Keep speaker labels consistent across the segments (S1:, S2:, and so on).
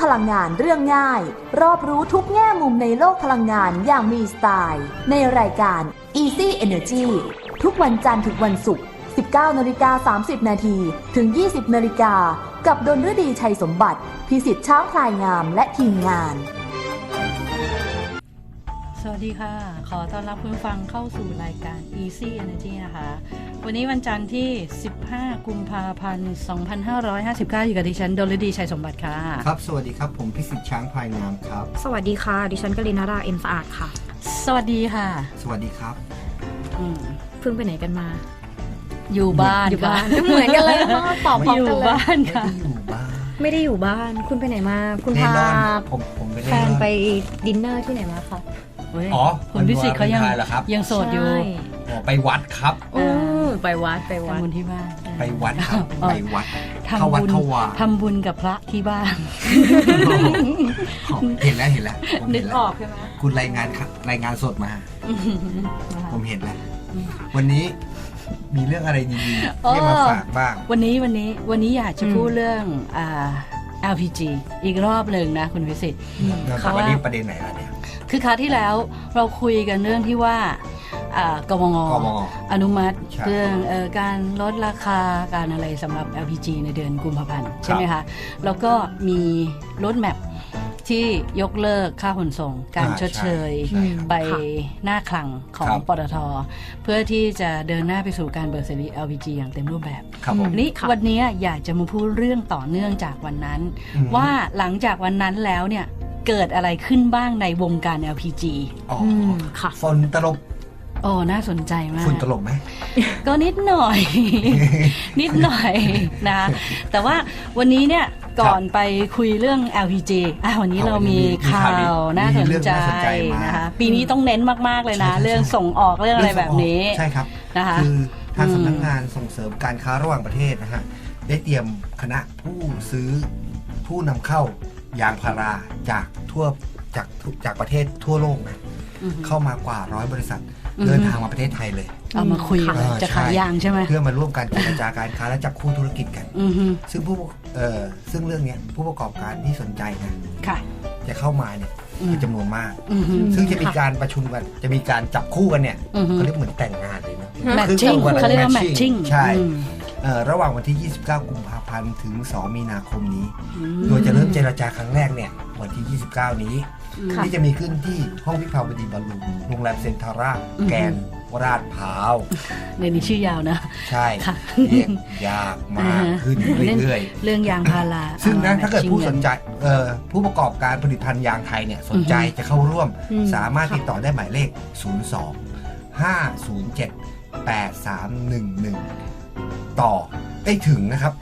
S1: พลังงานเรื่องง่ายรอบรู้ทุกแง่มุมในโลกพลังงานอย่างมีสไตล์ในรายการ Easy Energy ทุกวันจันทร์ถึงวันศุกร์ 19:30 น.ถึง 20 น.กับดลฤดีชัยสมบัติพิสิทธิ์ช้างพลายงามและทีมงาน
S2: สวัสดีค่ะขอต้อนรับคุณฟังเข้าสู่รายการ Easy Energy นะคะวันนี้วันจันทร์ที่15กุมภาพันธ์2559อยู่กับดิฉันดลฤดีชัยสมบัติค่ะ
S3: ครับสวัสดีครับผมพิสิทธิ์ช้างพลายงามครับ
S4: สวัสดีค่ะดิฉันกลินาราเอ็มสะอาดค่ะ
S2: สวัสดีค่ะ
S3: สวัสดีครับ
S4: เพิ่งไปไหนกันมา
S2: อยู่บ้าน
S4: เหมือนกันเลยตอบพร้อมกันเลย
S2: อยู่บ้านค่ะ
S4: ไม่ได้อยู่บ้านคุณไปไหนมาคุณพาแฟนไปดินเนอร์ที่ไหนมาคะ
S3: อ๋อ
S2: คุณพิสิทธิ์เขายังโสดอยู่
S3: ไปวัดครับ
S4: ไปวัด
S2: ทำบุญที่บ้าน
S3: ไปวัดครับไปวัดเข้าวัดเข้าวา
S2: ทำบุญกับพระที่บ้าน
S3: เห็นแล้ว
S2: นึกออกใช่ไหม
S3: คุณรายงานสดมาผมเห็นแล้ววันนี้มีเรื่องอะไรดีๆที่มาฝากบ้าง
S2: วันนี้อยากจะพูดเรื่องLPG อีกรอบหนึ่งนะคุณพิสิทธิ์
S3: วันนี้ประเด็นไหนล่ะเนี่ย
S2: คือคราวที่แล้วเราคุยกันเรื่องที่ว่ากมง.อนุมัติเรื่องการลดราคาการอะไรสำหรับ LPG ในเดือนกุมภาพันธ์ใช่ไหมคะแล้วก็มีรถแมพที่ยกเลิกค่าขนส่งการชดเชยไปหน้าคลังของปตท.เพื่อที่จะเดินหน้าไปสู่การเบิกเสรี LPG อย่างเต็มรูปแบบนี้วันนี้อยากจะมาพูดเรื่องต่อเนื่องจากวันนั้นว่าหลังจากวันนั้นแล้วเนี่ยเกิดอะไรขึ้นบ้างในวงการ LPG
S3: ค่ะฝนตลบ
S2: น่าสนใจมาก
S3: ฝนตลบไหม
S2: ก็นิดหน่อย นะแต่ว่าวันนี้เนี่ยก่อนไปคุยเรื่อง LPG วันนี้เรามีข่าวน่าสนใจนะคะปีนี้ต้องเน้นมากๆเลยนะเรื่องส่งออกเรื่องอะไรแบบนี้
S3: ใช่ครับ
S2: นะคะ
S3: คือทางสำนักงานส่งเสริมการค้าระหว่างประเทศนะฮะได้เตรียมคณะผู้นำเข้ายางพาราจากประเทศทั่วโลกนะเข้ามากว่า100 บริษัทเดินทางมาประเทศไทยเลย
S2: เอามาคุยจะขายยางใช่ไหม
S3: เพื่อมาร่วมกันเจรจาการค้าและจับคู่ธุรกิจกันซึ่งซึ่งเรื่องนี้ผู้ประกอบการที่สนใจนะจะเข้ามาเนี่ยมีจำนวนมากซึ่งจะมีการประชุมกันจะมีการจับคู่กันเนี่ยเขาเรียกเหมือนแต่งงานเลยนะ
S2: เขาเรียกว่าแมทชิ่ง
S3: ใช่ระหว่างวันที่ 29 กุมภาพันธ์ถึง 2 มีนาคมนี้โดยจะเริ่มเจรจาครั้งแรกเนี่ยวันที่ 29 นี้ที่จะมีขึ้นที่ห้องวิภาวดีบอลลูนโรงแรมเซ็นทาร่าแกนลาดพร้าว
S2: ในนี้ชื่อยาวนะ
S3: ใช่เรียกยากมากขึ้นเรื่อย
S2: ๆเรื่องยางพารา
S3: ซึ่งนะถ้าเกิดผู้สนใจผู้ประกอบการผลิตภัณฑ์ยางไทยเนี่ยสนใจจะเข้าร่วมสามารถติดต่อได้หมายเลข 02-507-8311 ต่อได้ถึงนะครับ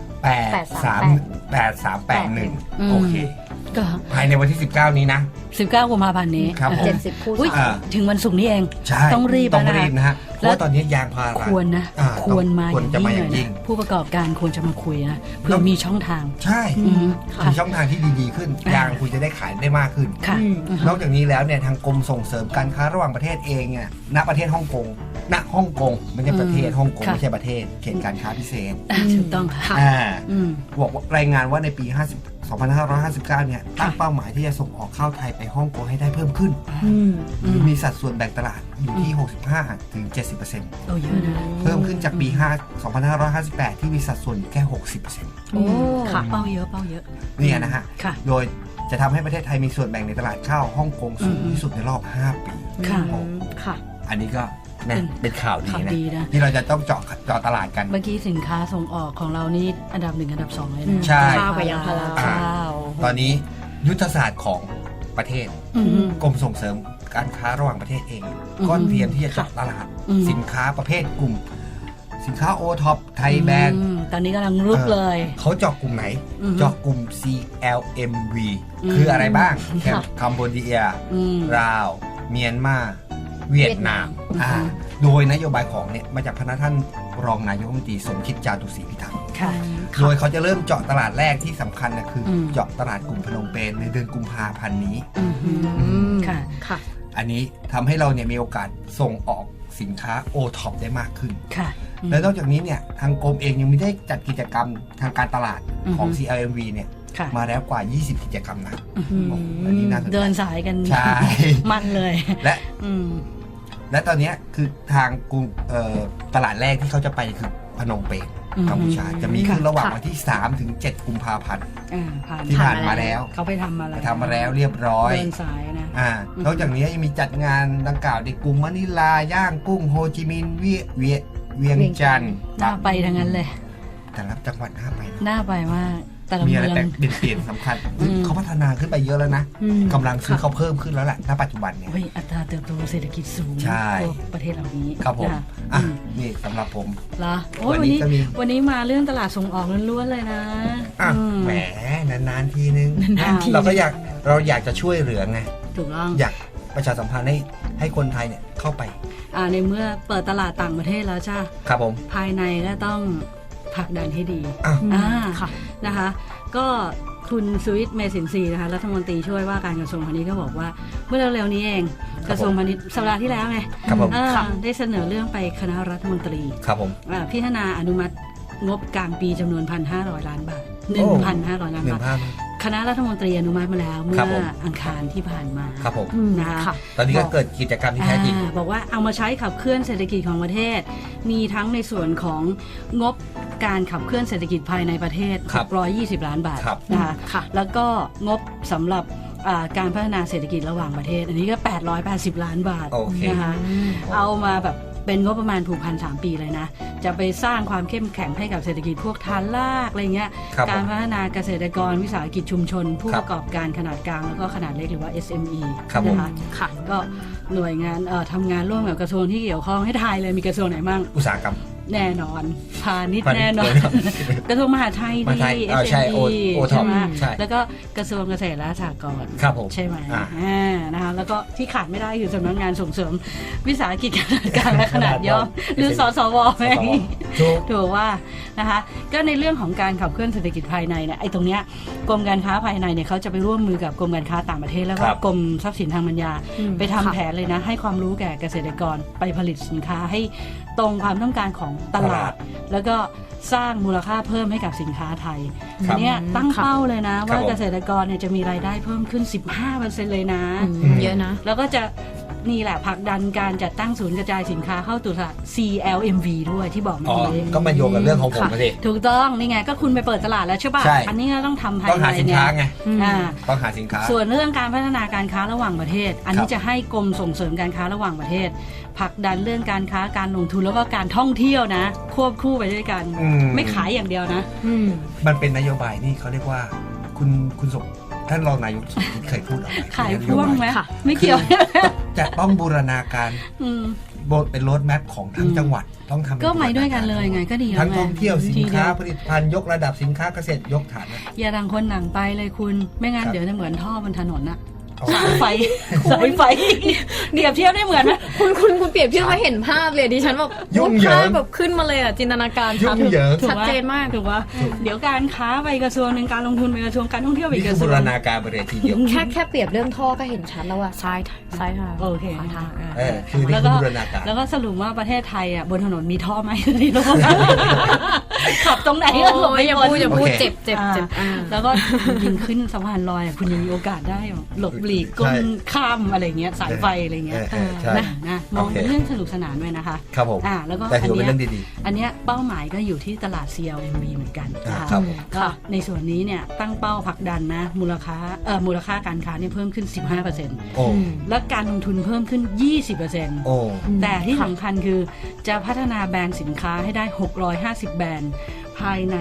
S3: 8381โอเคภายในวันที่19นี้นะ
S2: 19กุมภาพันธ์นี้
S3: ครับผม
S4: 70 ผู้
S2: ถึงวันศุกร์นี้เองต้องรีบ
S3: นะฮะเพราะว่าตอนนี้ยางพารา
S2: ควรมาอย่างยิ่งผู้ประกอบการควรจะมาคุยนะเพื่อมีช่องทาง
S3: ใช่มีช่องทางที่ดีๆขึ้นยางคุณจะได้ขายได้มากขึ้นนอกจากนี้แล้วเนี่ยทางกรมส่งเสริมการค้าระหว่างประเทศเองเนี่ยณประเทศฮ่องกงไม่ใช่ประเทศฮ่องกงไม่ใช่ประเทศเขตการค้าพิเศษ
S2: ถูกต้องค่ะ
S3: บอกรายงานว่าในปี2559เนี่ยตั้งเป้าหมายที่จะส่งออกข้าวไทยไปฮ่องกงให้ได้เพิ่มขึ้นมีสัดส่วนแบ่งตลาดอยู่ที่ 65-70%
S2: เยอะนะ
S3: เพิ่มขึ้นจากปี2558ที่มีสัดส่วนแค่ 60%
S2: ค่ะเป้าเยอะ
S3: นี่นะฮะโดยจะทำให้ประเทศไทยมีส่วนแบ่งในตลาดข้าวฮ่องกงสูงที่สุดในรอบ5 ปี
S2: ค่ะ
S3: อันนี้ก็เป็นข่าวดีนะที่เราจะต้องเจาะตลาดกัน
S2: เมื่อกี้สินค้าส่งออกของเรานี่อันดับ1อันดับ2เลยนะ
S4: ข้าวกับยางพารา
S3: ตอนนี้ยุทธศาสตร์ของประเทศกรมส่งเสริมการค้าระหว่างประเทศเองก็เตรียมที่จะเจาะตลาดสินค้าประเภทกลุ่มสินค้าโอท็อปไทยแบรนด์
S2: ตอนนี้กำลังรุกเลย
S3: เขาเจาะกลุ่มไหนเจาะกลุ่ม CLMV คืออะไรบ้างคัมโบเดียลาวเมียนมาเวียดนามโดยนโยบายของเนี่ยมาจากพนักท่านรองนายกรัฐมนตรีสมคิดจาตุศรีพิทักษ์โดยเขาจะเริ่มเจาะตลาดแรกที่สำคัญนะคือเจาะตลาดกลุ่มพนมเปญในเดือนกุมภาพันธ์นี้อันนี้ทำให้เราเนี่ยมีโอกาสส่งออกสินค้าโอท็อปได้มากขึ้นและนอกจากนี้เนี่ยทางกรมเองยังมีได้จัดกิจกรรมทางการตลาดของ CLMV เนี่ย
S2: ค่ะ
S3: มาแล้วกว่า 20 กิจกรรมนะ
S2: อืม
S3: โอ้โหอันนี้น่าสนใจ
S2: เดินสายกัน
S3: ใช่
S2: มันเลย
S3: และ
S2: อืม
S3: และตอนเนี้ยคือทางกรุงตลาดแรกที่เขาจะไปคือพนมเปญ
S2: อืม
S3: กัมพูชาจะมีขึ้นระหว่าง
S4: ค่ะ
S3: วันที่ 3 ถึง 7 กุมภาพันธ์
S2: ผ่าน
S3: ที่ผ่านมาแล้ว
S2: เขาไปทำมาแล้ว
S3: ทำมาแล้วเรียบร้อย
S2: เดินสายนะ
S3: นอกจากนี้ยังมีจัดงานดังกล่าวในกรุงมะนิลา ย่างกุ้งโฮจิมินห์เวียงจันทร์
S2: น่าไปทั้งนั้นเลย
S3: แต่ละจังหวัดน่าไปนะ
S2: น่าไปมาก แต่ละ
S3: มี
S2: เมื
S3: อะไร
S2: อง
S3: แต่เปลี่ยนสำคัญ
S2: อืม
S3: เขาพัฒนาขึ้นไปเยอะแล้วนะ
S4: อืม
S3: กำลังซื้อเขาเพิ่มขึ้นแล้วแหละณปัจจุบันเนี่ย
S2: เฮ้ยอัตราเติบโตเศรษฐกิจสูง
S3: ใช่
S2: ทั่วประเทศเหล่านี้
S3: ครับผม
S2: นะะ
S3: อ่ะ
S2: อืม
S3: นี่สำหรับผม
S2: เหรอโอ้ย
S3: วั
S2: วัน น
S3: นี้
S2: นี้
S3: ก็มี
S2: วันนี้มาเรื่องตลาดส่งออกล้วนๆเลยนะ
S3: อ่ะ
S2: อืม
S3: แหมนานๆทีนึง
S2: นานๆที
S3: เราก็อยากจะช่วยเหลือไง
S2: ถูกต้อง
S3: อยากประชาสัมพันธ์ให้คนไทยเนี่ยเข้าไป
S2: ในเมื่อเปิดตลาดต่างประเทศแล้วจ้า
S3: ครับผม
S2: ภายในก็ต้องผลักดันให้ดี
S3: อ่ะ
S2: อ่า
S4: ค่ะ
S2: นะคะ ก็คุณสุวิทย์เมสินทรีย์นะคะรัฐมนตรีช่วยว่าการกระทรวงพาณิชย์ก็บอกว่าเมื่อเร็วๆนี้เอง
S3: ค
S2: ก
S3: รับ
S2: ระทรวงพาณิชย์สัปดาห์ที่แล้วไง
S3: ครับผม
S2: ได้เสนอเรื่องไปคณะรัฐมนตรี
S3: ครับผม
S2: พิจารณาอนุมัติงบกลางปีจำนวน 1,500 ล้านบาท
S3: โอ้
S2: 1,500 ล้าน
S3: หนึ่
S2: บาง ท
S3: ภาพ
S2: คณะรัฐมนตรีอนุมัติมาแล้วเมื่
S3: ครับผ
S2: อ
S3: ม
S2: อังคารที่ผ่านมา
S3: ครับผม
S2: นะคะ
S4: ค่ะ
S3: ตอนนี้ก็เกิดกิจกรรมที่แท้จริง
S2: บอกว่าเอามาใช้ขับเคลื่อนเศรษฐกิจของประเทศ มีทั้งในส่วนของงบการขับเคลื่อนเศรษฐกิจภายในประเทศ
S3: ครับ
S2: 620 ล้านบาท
S3: ครับ
S2: นะคะ
S4: ค่ะ
S2: แล้วก็งบสำหรับการพัฒนาเศรษฐกิจระหว่างประเทศ อันนี้ก็ 880 ล้านบาท
S3: โอเค
S2: นะคะ เอามาแบบเป็นงบประมาณผูกพัน3 ปีเลยนะ จะไปสร้างความเข้มแข็งให้กับเศรษฐกิจพวกฐานรากอะไรเงี้ย
S3: ครับ
S2: การ
S3: ผม
S2: พัฒนาเกษตรกรวิสาหกิจชุมชน ผู้
S3: ครั
S2: ป
S3: บ
S2: ระกอบการขนาดกลางแล้วก็ขนาดเล็กหรือว่า SME
S3: ครับผม
S2: นะคะ
S4: ค่ะ
S2: ก็หน่วยงานทำงานร่วมกับกระทรวงที่เกี่ยวข้องให้ทายเลยมีกระทรวงไหนบ้าง
S3: อุตสาหกรรม
S2: แน่นอนพาณิชย์
S3: พาณิชย์
S2: แน่นอน กระทรวงมหาดไทย
S3: มหาดไทย
S2: ดี
S3: ใช่
S2: SME
S3: โอท็อป
S2: ใช่ไหม
S3: ใช่
S2: แล้วก็กระทรวงเกษตรและสหกรณ์
S3: ครับผม
S2: ใช่ไหม
S3: อ่า
S2: นะคะแล้วก็ที่ขาดไม่ได้คือสำนักงานส่งเสริมวิสาหกิจขนาดกลางและขนาดย่อมหรือสสวไหม
S3: ถูก
S2: ถูกว่านะคะก็ในเรื่องของการขับเคลื่อนเศรษฐกิจภายในเนี่ยไอ้ตรงเนี้ยกรมการค้าภายในเนี่ยเขาจะไปร่วมมือกับกรมการค้าต่างประเทศแล้วก็
S3: ครับ
S2: กรมทรัพย์สินทางปัญญา
S4: อืม
S2: ไปทำ
S4: ค่ะ
S2: แผนเลยนะให้ความรู้แก่เกษตรกรไปผลิตสินค้าให้ตรงความต้องการของตลาด แล้วก็สร้างมูลค่าเพิ่มให้กับสินค้าไทย
S3: ครั
S2: อั
S3: บ
S2: นเนี้ยตั้งเป้าเลยนะ ว่า
S3: ผม
S2: เกษตรกรเนี่ยจะมีรายได้เพิ่มขึ้น 15%เลยนะ
S4: เยอะนะ
S2: แล้วก็จะนี่แหละผลักดันการจัดตั้งศูนย์กระจายสินค้าเข้าตลาด CLMV ด้วยที่บอกเมื่
S3: อ๋
S2: อ
S3: อ
S2: กี้
S3: ก็มาโยงกับเรื่องของผมมาสิ
S2: ถูกต้องนี่ไงก็คุณไปเปิดตลาดแล้วใช่ป่ะ
S3: ใช่
S2: อันนี้ก็ต้องทำภาย
S3: ต้อง
S2: ใน
S3: หาสินค้าไง
S2: อ่า
S3: ต้องหาสินค้า
S2: ส่วนเรื่องการพัฒนาการค้าระหว่างประเทศ อันนี้
S3: ครับ
S2: จะให้กรมส่งเสริมการค้าระหว่างประเทศผลักดันเรื่องการค้าการลงทุนแล้วก็การท่องเที่ยวนะ ควบคู่ไปด้วยกัน
S3: อืม
S2: ไม่ขายอย่างเดียวนะ
S3: มันเป็นนโยบายนี่เขาเรียกว่าคุณสมท่านรองนายกสมคิดเคยพูดเอาไว้
S2: ขายพ่วงไหม
S4: ค่ะ
S2: ไม่เกี่ยว
S3: จะต้องบูรณาการ
S2: อืม
S3: เป็นโรดแมพของทั้งจังหวัดต้องทำเป็น
S2: ก็ไปด้วยกันเลยไงก็ดีแล้ว
S3: ทั้ง
S2: ไง
S3: ท่องเที่ยวสิน
S2: ที
S3: ค้า
S2: เดียว
S3: ผลิตภัณฑ์ยกระดับสินค้าเกษตรยกฐานนะ
S2: อย่าดังคนหนังไปเลยคุณไม่งั้น
S3: ครับ
S2: เดี๋ยวจะเหมือนท่อบนถนนอะ
S3: เอา
S2: สายไฟสายไฟเดียบเทียบได้เหมือนไหม
S4: คุณเปรียบเทียบมาเห็นภาพเลยดิฉันแบบ
S3: ยุ่งเหยิง
S4: ภาพแบบขึ้นมาเลยอ่ะจินตนาการ
S3: ยุ่งเหยิง
S4: ชัดเจนมาก
S2: ถูกว่าเดี๋ยวการค้าไปกระทรวงหนึ่งการลงทุนไปกระทรวงการท่องเที่ยวไป
S3: นี่
S2: ก
S3: คือ
S2: ระทร
S3: บู
S2: วง
S3: รณาการบริเวณทีเดียว
S4: แค่เปรียบเรื่องท่อก็เห็นชัดแล้วว่าซ้ายทาง
S2: โอเค
S4: ขวาทาง
S3: คือนี่
S2: แล้ว
S3: คื
S2: ก็
S3: อบูรณาการ
S2: แล้วก็สรุปว่าประเทศไทยอ่ะบนถนนมีท่อไหมในโลกขับตรงไหนก็หลบไม่
S4: อย่า
S2: พ้น
S4: พูดอย่าพูด
S3: โอเค
S4: เจ็บ
S2: แล้วก็ยิงขึ้นสะพานลอยอะคุณยังมีโอกาสได้หลบหลีกก้นข้ามอะไรเงี้ยสายไฟอะไรเงี้ย
S3: ใช่
S2: นะมองเป็นเรื่องสนุกสนานด้วยนะคะ
S3: ครับผม
S2: แล้วก็
S3: แต่ถือว่าเป็น
S2: อั
S3: เรื่
S2: น
S3: อง
S2: เนี้ย
S3: ดี
S2: อันเนี้ยเป้าหมายก็อยู่ที่ตลาด CLMV เหมือนกันนะคะ
S3: ครับผม
S2: ก็ในส่วนนี้เนี่ยตั้งเป้าผลักดันนะมูลค่าการค้าเนี่ยเพิ่มขึ้น 15%
S3: โอ้
S2: และการลงทุนเพิ่มขึ้น 20%
S3: โอ้
S2: แต่ที่สำคัญคือจะพัฒนาแบรนด์สินค้าให้ได้ 650 แบรนด์ภายใน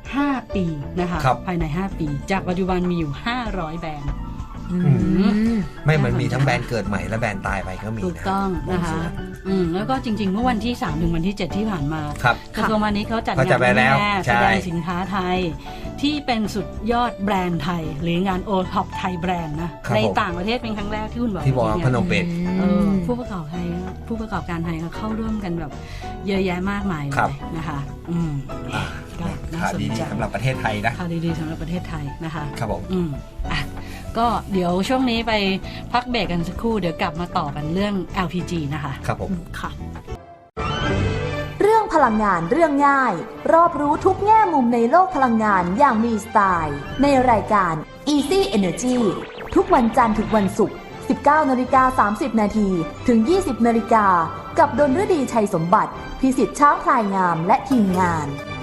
S2: 5 ปีนะคะภายใน 5 ปี จากปัจจุบันมีอยู่ 500 แบรนด์
S3: ไม่มันมีทั้งแบรนด์เกิดใหม่และแบรนด์ตายไปก็มีนะ
S2: ถูกต้องนะคะแล้วก็จริงๆ เมื่อวันที่ 3 ถึงวันที่ 7 ที่ผ่านมา
S3: ครับ
S2: กระทรวงพาณิชย์เขาจัด
S3: เขาจัดไปแล้ว
S2: แสดงสินค้าไทย ที่เป็นสุดยอดแบรนด์ไทย หรืองานโอท็อปไทยแบรนด์นะครับ ใน
S3: ผม
S2: ต่างประเทศเป็นครั้งแรกที่คุณบอก
S3: ที่บอกว่า
S2: เมื่
S3: พ
S2: กี้
S3: น
S2: เนี่ย
S3: มเปญ
S2: ผู้ประกอบการไทยเขาเข้าร่วมกันแบบเยอะแยะมากมายเล
S3: ครับ
S2: ยนะคะก็น่า
S3: ข่าว
S2: สน
S3: ดี
S2: ใจ
S3: ๆสำหรับประเทศไทยนะ
S2: ข่าวดีๆสำหรับประเทศไทยนะคะ
S3: ครับผม
S2: อ่ะก็เดี๋ยวช่วงนี้ไปพักเบรกกันสักครู่เดี๋ยวกลับมาต่อกันเรื่อง LPG นะคะ
S3: ครับผม
S4: ค่ะ
S1: เรื่องพลังงานเรื่องง่าย รอบรู้ทุกแง่มุมในโลกพลังงานอย่างมีสไตล์ ในรายการ Easy Energy ทุกวันจันทร์ถึงวันศุกร์ 19:30 นาทีถึง 20 นาฬิกากับดลฤดีชัยสมบัติ พิสิทธิ์ช้างพลายงามและทีมงาน